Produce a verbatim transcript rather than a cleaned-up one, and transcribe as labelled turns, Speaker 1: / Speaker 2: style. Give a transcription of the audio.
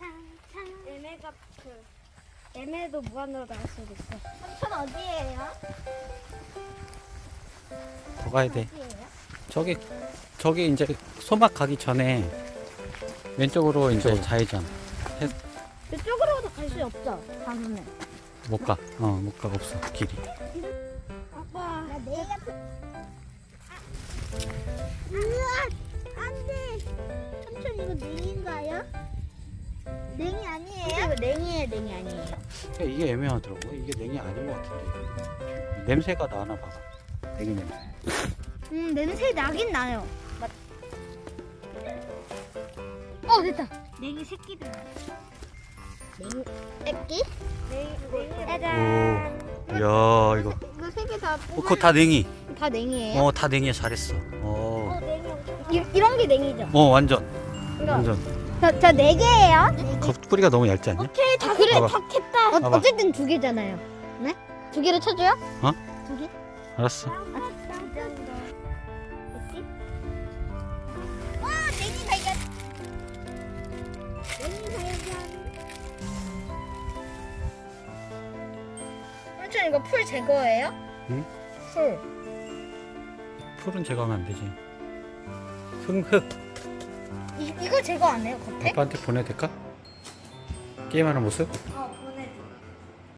Speaker 1: 얘네가 그 얘네도 무한으로 나올 수도 있어.
Speaker 2: 삼촌 어디예요?
Speaker 3: 더 가야 돼.
Speaker 2: 어디예요?
Speaker 3: 저기 저기 이제 소막 가기 전에 왼쪽으로 이제 좌회전.
Speaker 2: 이쪽으로도 갈 수 없죠? 가면은.
Speaker 3: 못 가. 어, 못 가. 없어. 길이.
Speaker 2: 아빠. 나 내가. 으아! 안 돼! 삼촌 이거 냉인가요? 냉이 아니에요? 이거 냉이에요, 냉이 아니에요?
Speaker 3: 그러니까 이게 애매하더라고. 이게 냉이 아닌 것 같은데. 냄새가 나나 봐. 냉이 냄새.
Speaker 2: 음, 냄새 나긴 나요. 맞. 어, 됐다. 냉이 새끼들. 냉이 새끼?
Speaker 1: 냉이 냉이
Speaker 2: 짜잔.
Speaker 3: 오. 이야, 이거.
Speaker 2: 이거 세 개 다.
Speaker 3: 어, 그거 다 냉이.
Speaker 2: 다 냉이에요?
Speaker 3: 어, 다 냉이야. 잘했어. 어.
Speaker 1: 냉이 엄청
Speaker 2: 이, 이런 게 냉이죠?
Speaker 3: 어, 완전.
Speaker 2: 이거.
Speaker 3: 완전.
Speaker 2: 저, 저 네 개예요?
Speaker 3: 그 뿌리가 너무 얇지 않냐?
Speaker 2: 오케이, 다 그래,
Speaker 3: 봐봐.
Speaker 2: 다 캤다. 어,
Speaker 3: 봐봐.
Speaker 2: 어쨌든 두 개잖아요. 네? 두 개로 쳐줘요?
Speaker 3: 어?
Speaker 2: 두 개?
Speaker 3: 알았어.
Speaker 2: 어디? 와, 냉이 발견. 냉이 발견. 삼촌 이거 풀 제거예요?
Speaker 3: 응?
Speaker 2: 풀.
Speaker 3: 풀은 제거하면 안 되지. 흙, 흙.
Speaker 2: 이, 이거 제거 안 해요, 겉에?
Speaker 3: 아빠한테 보내야 될까? 게임하는 모습?
Speaker 2: 어,